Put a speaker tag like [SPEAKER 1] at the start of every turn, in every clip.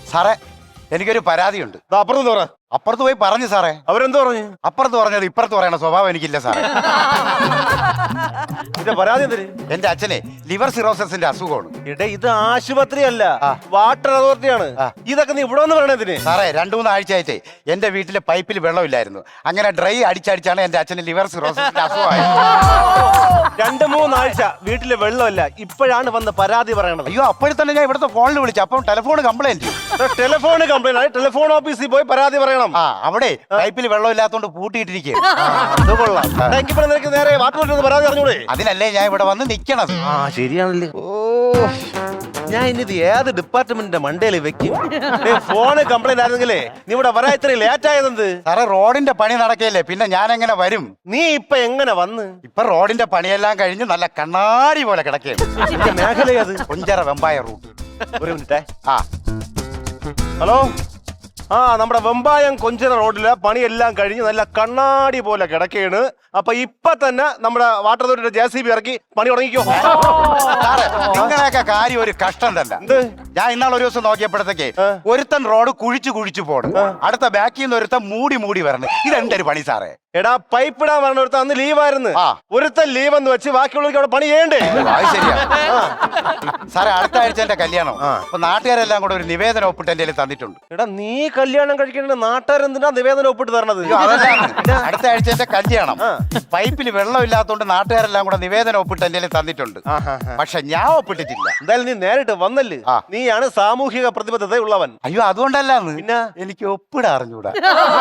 [SPEAKER 1] സാറേ എനിക്കൊരു പരാതിയുണ്ട്.
[SPEAKER 2] അപ്പുറത്ത് പറ.
[SPEAKER 1] അപ്പുറത്ത് പോയി പറഞ്ഞു സാറേ.
[SPEAKER 2] അവരെന്ത് പറഞ്ഞു?
[SPEAKER 1] അപ്പുറത്ത് പറഞ്ഞത് ഇപ്പുറത്ത് പറയണ സ്വഭാവം എനിക്കില്ല സാറേ.
[SPEAKER 2] ഇതിന്റെ പരാതി എന്തിന്?
[SPEAKER 1] എന്റെ അച്ഛനെ ലിവർ സിറോസിന്റെ അസുഖമാണ്.
[SPEAKER 2] ഇടേ ഇത് ആശുപത്രി അല്ല, വാട്ടർ അതോറിറ്റിയാണ്. ഇതൊക്കെ നീ ഇവിടെ വന്ന് പറയണതിന്?
[SPEAKER 1] സാറേ 2-3 ആഴ്ചയായിട്ടേ എന്റെ വീട്ടിലെ പൈപ്പിൽ വെള്ളമില്ലായിരുന്നു. അങ്ങനെ ഡ്രൈ അടിച്ചടിച്ചാണ് എന്റെ അച്ഛന് ലിവർ സിറോസിന്റെ അസുഖമായത്.
[SPEAKER 2] 2-3 ആഴ്ച വീട്ടിലെ വെള്ളമല്ല, ഇപ്പോഴാണ് വന്ന് പരാതി പറയണത്.
[SPEAKER 1] അയ്യോ അപ്പോഴും തന്നെ ഞാൻ ഇവിടുത്തെ ഫോണിൽ വിളിച്ചു. അപ്പം ടെലിഫോൺ കംപ്ലൈന്റ്.
[SPEAKER 2] ടെലിഫോൺ കംപ്ലൈന്റ് ആയി ടെലിഫോൺ ഓഫീസിൽ പോയി പരാതി പറയണം.
[SPEAKER 1] അവിടെ പൈപ്പിൽ വെള്ളമില്ലാത്തോണ്ട് പൂട്ടിയിട്ടിരിക്കുക.
[SPEAKER 2] നേരെ വാട്ടർ പരാതി അറിഞ്ഞൂടെ?
[SPEAKER 1] അതിനല്ലേ ഞാൻ ഇവിടെ വന്ന് നിക്കണത്.
[SPEAKER 2] ശരിയാണല്ലേ. ഞാൻ ഇനിത് ഏത് ഡിപ്പാർട്ട്മെന്റിന്റെ മണ്ടയിൽ വെക്കും? ഫോണ് കംപ്ലൈന്റ് ആയിരുന്നെങ്കിലേ നീ ഇവിടെ വരാൻ ഇത്ര ലേറ്റ് ആയതെന്ത്?
[SPEAKER 1] സാറേ റോഡിന്റെ പണി നടക്കല്ലേ, പിന്നെ ഞാൻ എങ്ങനെ വരും?
[SPEAKER 2] നീ ഇപ്പൊ എങ്ങനെ വന്ന്?
[SPEAKER 1] ഇപ്പൊ റോഡിന്റെ പണിയെല്ലാം കഴിഞ്ഞ് നല്ല കണ്ണാടി പോലെ കിടക്കുകയാണ്.
[SPEAKER 2] മേഖല അത്
[SPEAKER 1] കൊഞ്ചറ വെമ്പായ റൂട്ട്.
[SPEAKER 2] ഒരു മിനിറ്റേ. ഹലോ. നമ്മുടെ വെമ്പായം കൊഞ്ചിറ റോഡിലെ പണിയെല്ലാം കഴിഞ്ഞ് നല്ല കണ്ണാടി പോലെ കിടക്കുകയാണ്. അപ്പൊ ഇപ്പൊ തന്നെ നമ്മുടെ വാട്ടർ അതോറിറ്റിയുടെ JCB ഇറക്കി പണി തുടങ്ങിക്കോ.
[SPEAKER 1] നിങ്ങളെയൊക്കെ കാര്യം ഒരു കഷ്ടം തന്നെ. ഞാൻ ഇന്നാൾ ഒരു ദിവസം നോക്കിയപ്പോഴത്തേക്ക് ഒരുത്തൻ റോഡ് കുഴിച്ചു പോണ്, അടുത്ത ബാക്കിൽ നിന്ന് ഒരുത്തൻ മൂടി വരണം. ഇതെന്തൊരു പണി സാറേ?
[SPEAKER 2] എടാ പൈപ്പ് ഇടാൻ പറഞ്ഞ ഒരുത്തൻ അന്ന് ലീവായിരുന്നു. ഒരുത്തൻ ലീവ് എന്ന് വെച്ച് ബാക്കിയുള്ളവർക്ക് അവിടെ പണി ചെയ്യണ്ടേ?
[SPEAKER 1] ശരിയാ സാറേ. അടുത്ത ആഴ്ച എന്റെ കല്യാണം. അപ്പൊ നാട്ടുകാരെല്ലാം കൂടെ ഒരു നിവേദനം ഒപ്പിട്ട് എന്റെ തന്നിട്ടുണ്ട്.
[SPEAKER 2] എടാ നീ കല്യാണം കഴിക്കേണ്ട നാട്ടുകാരെന്തിനാ നിവേദനം ഒപ്പിട്ട് തരണത്?
[SPEAKER 1] അടുത്ത ആഴ്ച എന്റെ കല്യാണം. പൈപ്പിൽ വെള്ളമില്ലാത്തോണ്ട് നാട്ടുകാരെല്ലാം കൂടെ നിവേദനം ഒപ്പിട്ട് എന്റെ തന്നിട്ടുണ്ട്. പക്ഷെ ഞാൻ ഒപ്പിട്ടിട്ടില്ല.
[SPEAKER 2] എന്തായാലും നീ നേരിട്ട് വന്നല്ലേ, നീയാണ് സാമൂഹിക പ്രതിബദ്ധത ഉള്ളവൻ.
[SPEAKER 1] അയ്യോ അതുകൊണ്ടല്ലാന്ന്, പിന്നെ എനിക്ക് ഒപ്പിടാ അറിഞ്ഞൂടാ.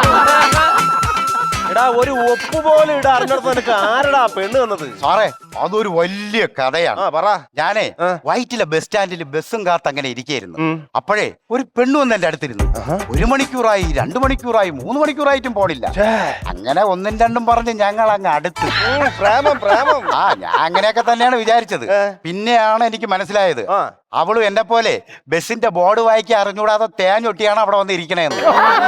[SPEAKER 2] എടാ ഒരു ഒപ്പ് പോലെ ഇടാ അറിഞ്ഞിടത്ത് നിനക്ക് ആരടാ പെണ്ണ് തന്നത്?
[SPEAKER 1] സാറേ അതൊരു വലിയ കഥയാണ്.
[SPEAKER 2] പറ.
[SPEAKER 1] ഞാനേ വൈറ്റിലെ ബസ് സ്റ്റാൻഡിൽ ബസ്സും കാത്ത് അങ്ങനെ ഇരിക്കായിരുന്നു. അപ്പോഴേ ഒരു പെണ്ണ് വന്ന് എന്റെ അടുത്തിരുന്നു. 1 മണിക്കൂറായി, 2 മണിക്കൂറായി, 3 മണിക്കൂറായിട്ടും പോണില്ല. അങ്ങനെ 1-2 പറഞ്ഞ് ഞങ്ങൾ അങ്ങ് അടുത്ത്.
[SPEAKER 2] പ്രേമം.
[SPEAKER 1] ഞാൻ അങ്ങനെയൊക്കെ തന്നെയാണ് വിചാരിച്ചത്. പിന്നെയാണ് എനിക്ക് മനസ്സിലായത് അവളും എന്നെ പോലെ ബസിന്റെ ബോർഡ് വായിക്കാൻ അറിഞ്ഞൂടാതെ തേഞ്ഞൊട്ടിയാണ് അവിടെ വന്ന് ഇരിക്കണേന്ന്.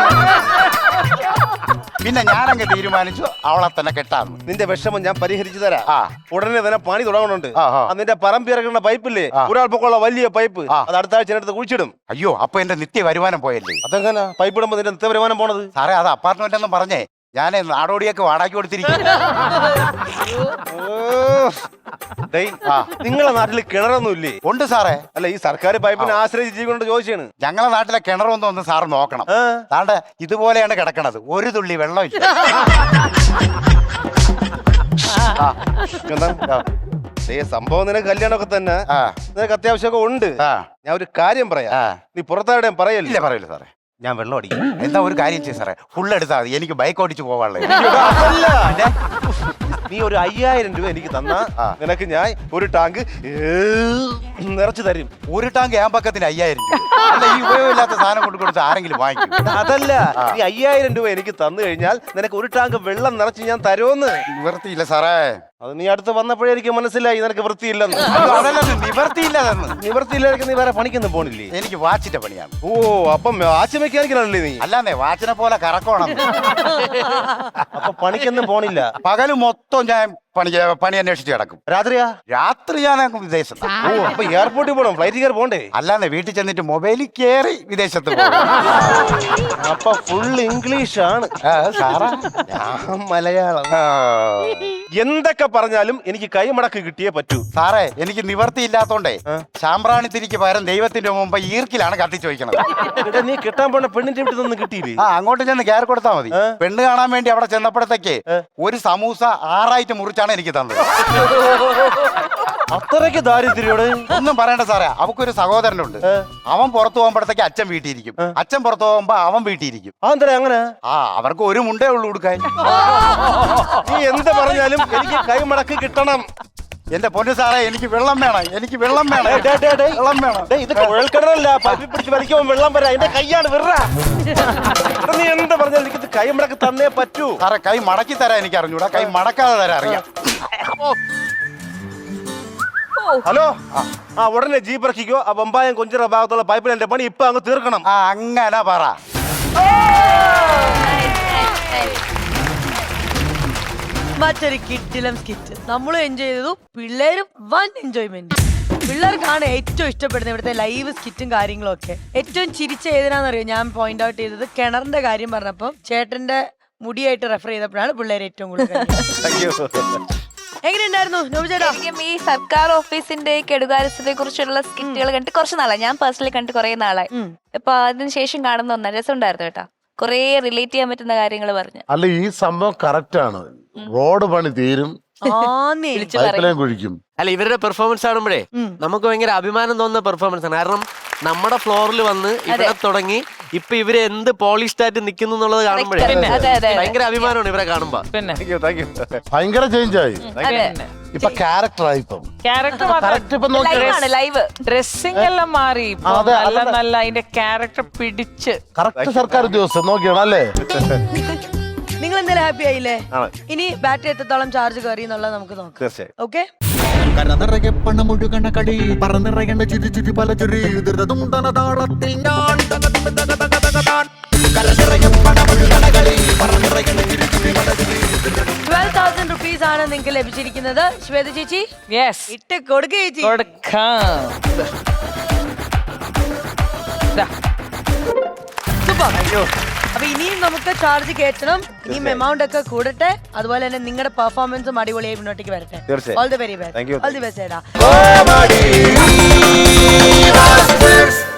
[SPEAKER 1] പിന്നെ ഞാനങ്ങ് തീരുമാനിച്ചു അവളെ തന്നെ കെട്ടാന്ന്.
[SPEAKER 2] നിന്റെ വിഷമം ഞാൻ പരിഹരിച്ചു തരാം. ഉടനെ തന്നെ പണി തുടങ്ങുന്നുണ്ട്. നിന്റെ പറമ്പിറങ്ങുന്ന പൈപ്പില്ലേ, ഒരാൾ പൊക്കമുള്ള വലിയ പൈപ്പ്, അത് അടുത്ത ആഴ്ച എടുത്ത് കുഴിച്ചിടും.
[SPEAKER 1] അയ്യോ അപ്പൊ എന്റെ നിത്യ വരുമാനം പോയല്ലേ?
[SPEAKER 2] അതെങ്ങനെ പൈപ്പ് ഇടുമ്പോ നിന്റെ നിത്യ വരുമാനം പോണത്?
[SPEAKER 1] സാറേ അത് അപ്പാർട്ട്മെന്റ് എന്ന് പറഞ്ഞേ ഞാൻ നാടോടിയൊക്കെ വാടകയ്ക്ക് കൊടുത്തിരിക്കും.
[SPEAKER 2] നിങ്ങളെ നാട്ടില് കിണറൊന്നും ഇല്ലേ?
[SPEAKER 1] ഉണ്ട് സാറേ.
[SPEAKER 2] അല്ല ഈ സർക്കാർ പൈപ്പിനെ ആശ്രയിച്ച് ജീവിക്കൊണ്ട് ചോദിച്ചാണ്.
[SPEAKER 1] ഞങ്ങളെ നാട്ടിലെ കിണറൊന്നും ഒന്ന് സാറ് നോക്കണം. താണ്ടെ ഇതുപോലെയാണ് കിടക്കണത്, ഒരു തുള്ളി വെള്ളമില്ല.
[SPEAKER 2] സംഭവം നിനക്ക് കല്യാണമൊക്കെ തന്നെ, നിനക്ക് അത്യാവശ്യമൊക്കെ ഉണ്ട്. ഞാൻ ഒരു കാര്യം പറയാം, നീ പുറത്താരുടെയും പറയല്ലേ?
[SPEAKER 1] ഇല്ല പറയില്ല സാറേ.
[SPEAKER 2] ഞാൻ വെള്ളം അടിക്കും.
[SPEAKER 1] എന്താ ഒരു കാര്യം ചെയ്യ സാറേ, ഫുൾ എടുത്താൽ മതി, എനിക്ക് ബൈക്ക് ഓടിച്ച് പോവാനുള്ളത്.
[SPEAKER 2] നീ ഒരു 5000 രൂപ എനിക്ക് തന്നാ നിനക്ക് ഞാൻ ഒരു ടാങ്ക് നിറച്ചു തരും.
[SPEAKER 1] ഒരു ടാങ്ക് ഏമ്പക്കത്തിന് 5000 രൂപ. അല്ല ഈ ഉപയോഗമില്ലാത്ത സാധനം കൊണ്ട് കൊടുത്ത് ആരെങ്കിലും വാങ്ങിക്കും?
[SPEAKER 2] അതല്ല, നീ 5000 രൂപ എനിക്ക് തന്നു കഴിഞ്ഞാൽ നിനക്ക് ഒരു ടാങ്ക് വെള്ളം നിറച്ച് ഞാൻ തരുമെന്ന്.
[SPEAKER 1] നിവർത്തിയില്ല സാറേ.
[SPEAKER 2] അത് നീ അടുത്ത് വന്നപ്പോഴേ എനിക്ക് മനസ്സിലായി നിനക്ക് വൃത്തിയില്ലെന്ന്.
[SPEAKER 1] നിവർത്തിയില്ലെന്ന്.
[SPEAKER 2] നിവർത്തിയില്ലായിരിക്കും നീ വേറെ പണിക്കൊന്നും പോണില്ലേ?
[SPEAKER 1] എനിക്ക് വാച്ചിന്റെ പണിയാണ്.
[SPEAKER 2] ഓ അപ്പം വാച്ച് മെക്കാനിക്കലാണല്ലേ നീ?
[SPEAKER 1] അല്ലാന്നേ വാച്ചിനെ പോലെ കറക്കണം.
[SPEAKER 2] അപ്പൊ പണിക്കൊന്നും പോണില്ല?
[SPEAKER 1] പകല് മൊത്തം ഞാൻ പണി അന്വേഷിച്ച് കിടക്കും.
[SPEAKER 2] രാത്രിയാ?
[SPEAKER 1] രാത്രി ഞാൻ വിദേശത്ത്.
[SPEAKER 2] ഓ അപ്പൊ എയർപോർട്ടിൽ പോകണം, ഫ്ലൈറ്റ് കയറി പോണ്ടേ?
[SPEAKER 1] അല്ലാന്നേ വീട്ടിൽ ചെന്നിട്ട് മൊബൈലിൽ കയറി വിദേശത്ത് പോകും.
[SPEAKER 2] അപ്പൊ ഫുൾ ഇംഗ്ലീഷ് ആണ്
[SPEAKER 1] സാറാ?
[SPEAKER 2] ഞാൻ മലയാളം. എന്തൊക്കെ പറഞ്ഞാലും എനിക്ക് കൈമടക്ക് കിട്ടിയേ പറ്റൂ.
[SPEAKER 1] സാറേ എനിക്ക് നിവർത്തി ഇല്ലാത്തോണ്ടേ ശാമ്പ്രാണിത്തിരിക്ക് പകരം ദൈവത്തിന്റെ മുമ്പ് ഈർക്കിലാണ് കത്തിച്ചു വയ്ക്കണത്.
[SPEAKER 2] നീ കിട്ടാൻ പോണ പെണ്ണിന്റെ വീട്ടിൽ നിന്ന് കിട്ടിയില്ലേ?
[SPEAKER 1] അങ്ങോട്ട് ചെന്ന് കയറി കൊടുത്താൽ മതി. പെണ്ണ് കാണാൻ വേണ്ടി അവിടെ ചെന്നപ്പോഴത്തേക്ക് ഒരു സമൂസ 6 ആയിട്ട് മുറിച്ചാണ് എനിക്ക് തന്നത്.
[SPEAKER 2] അത്രയ്ക്ക് ദാരിദ്ര്യോട്
[SPEAKER 1] ഒന്നും പറയണ്ട സാറേ. അവക്കൊരു സഹോദരനുണ്ട്. അവൻ പുറത്തു പോകുമ്പോഴത്തേക്ക് അച്ഛൻ വീട്ടിയിരിക്കും, അച്ഛൻ പുറത്തു പോകുമ്പോ അവൻ വീട്ടിയിരിക്കും.
[SPEAKER 2] അതെന്താ അങ്ങനെ?
[SPEAKER 1] അവർക്ക് ഒരു മുണ്ടേ ഉള്ളൂ കൊടുക്കാൻ.
[SPEAKER 2] നീ എന്ത് പറഞ്ഞാലും എനിക്ക് കൈമടക്ക് കിട്ടണം.
[SPEAKER 1] എന്റെ പൊന്നു സാറേ എനിക്ക് വെള്ളം വേണം, എനിക്ക് വെള്ളം വേണം, വെള്ളം വേണം.
[SPEAKER 2] ഇത് കുഴൽക്കിണറല്ല, പൈപ്പിൽ പിടിച്ച് വലിക്കുമ്പോൾ വെള്ളം വരാം. എന്റെ കൈയാണ് വിറ. നീ എന്ത് പറഞ്ഞാലും എനിക്ക് കൈമടക്ക് തന്നേ പറ്റൂ.
[SPEAKER 1] സാറേ കൈ മടക്കി തരാൻ എനിക്ക് അറിഞ്ഞൂടാ, കൈ മടക്കാതെ തരാൻ അറിയാം.
[SPEAKER 2] ഹലോ, ഉടനെ ജീപ്പ് ഇറക്കിക്കോ. ആ വെമ്പായം കൊഞ്ചിറ ഭാഗത്തുള്ള പൈപ്പിൽ എന്റെ പണി ഇപ്പൊ അങ്ങ് തീർക്കണം.
[SPEAKER 1] അങ്ങനെ പറ.
[SPEAKER 3] മറ്റൊരു കിട്ടിലും സ്കിറ്റ് നമ്മളും എൻജോയ് ചെയ്തു, പിള്ളേരും വൻ എൻജോയ്മെന്റ്. പിള്ളേർക്കാണ് ഏറ്റവും ഇഷ്ടപ്പെടുന്നത് ഇവിടുത്തെ ലൈവ് സ്കിറ്റും കാര്യങ്ങളും ഒക്കെ. ഏറ്റവും ചിരിച്ച ഏതിനാന്നറിയോ ഞാൻ പോയിന്റ് ഔട്ട് ചെയ്തത്? കിണറിന്റെ കാര്യം പറഞ്ഞപ്പോ ചേട്ടന്റെ മുടിയായിട്ട് റെഫർ ചെയ്തപ്പോഴാണ് പിള്ളേർ ഏറ്റവും കൂടുതൽ എങ്ങനെയുണ്ടായിരുന്നു നോബിചേട്ടാ?
[SPEAKER 4] ഈ സർക്കാർ ഓഫീസിന്റെ കെടുകാര്യസ്ഥതയെ കുറിച്ചുള്ള സ്കിറ്റുകൾ കണ്ടിട്ട് കുറച്ച് നാളായി, ഞാൻ പേഴ്സണലി കണ്ടിട്ട് കുറെ നാളായി. അപ്പൊ അതിന് ശേഷം കാണുന്ന ഒന്നാം രസം ഉണ്ടായിരുന്നു കേട്ടാ, കുറെ റിലേറ്റ് ചെയ്യാൻ പറ്റുന്ന കാര്യങ്ങൾ പറഞ്ഞു.
[SPEAKER 5] അല്ല ഈ സംഭവം കറക്റ്റ് ആണ്. റോഡ് പണി തീരും, പൈപ്പ് കുഴിക്കും.
[SPEAKER 6] അല്ല ഇവരുടെ പെർഫോമൻസ് കാണുമ്പോഴേ നമുക്ക് ഭയങ്കര അഭിമാനം തോന്നുന്ന പെർഫോമൻസ് ആണ്. കാരണം നമ്മുടെ ഫ്ലോറിൽ വന്ന് ഇവിടെ തുടങ്ങി ഇപ്പൊ ഇവര് എന്ത് പോളിഷ്ഡ് ആയിട്ട് നിൽക്കുന്നു എന്നുള്ളത് കാണുമ്പോഴേ ഭയങ്കര അഭിമാനമാണ് ഇവരെ കാണുമ്പോ.
[SPEAKER 5] ഭയങ്കര ചേഞ്ച് ആയി, ഇപ്പൊ ക്യാരക്ടറായി. ഇപ്പം
[SPEAKER 4] ലൈവ്
[SPEAKER 7] ഡ്രസ്സിംഗ് എല്ലാം മാറി, നല്ല അതിന്റെ ക്യാരക്ടർ പിടിച്ച്
[SPEAKER 5] കറക്റ്റ് സർക്കാർ ഉദ്യോഗസ്ഥൻ നോക്കിയാണ് അല്ലേ?
[SPEAKER 3] നിങ്ങൾ എന്തായാലും ഹാപ്പി ആയില്ലേ? ഇനി ബാറ്ററി എത്രത്തോളം ചാർജ് കയറി എന്നുള്ളത് നമുക്ക് നോക്കാം. ഓക്കെ,
[SPEAKER 8] കരനിറയെ പണമൊഴുകണ കടി പറന്നിറയണ ചിരി ചിരി പല ചിരി ദുരിതതുണ്ടന താളത്തിൽ ഞാൻ
[SPEAKER 3] 12,000 rupees ആണ് നിങ്ങൾക്ക് ലഭിച്ചിരിക്കുന്നത്. ശ്വേത ചേച്ചി ഇട്ട് കൊടുക്ക ചേച്ചി. അപ്പൊ ഇനിയും നമുക്ക് ചാർജ് കയറ്റണം, ഇനിയും എമൗണ്ട് ഒക്കെ കൂടട്ടെ, അതുപോലെ തന്നെ നിങ്ങളുടെ പെർഫോമൻസും അടിപൊളിയായി മുന്നോട്ടേക്ക് വരട്ടെ. All the very best. All the best.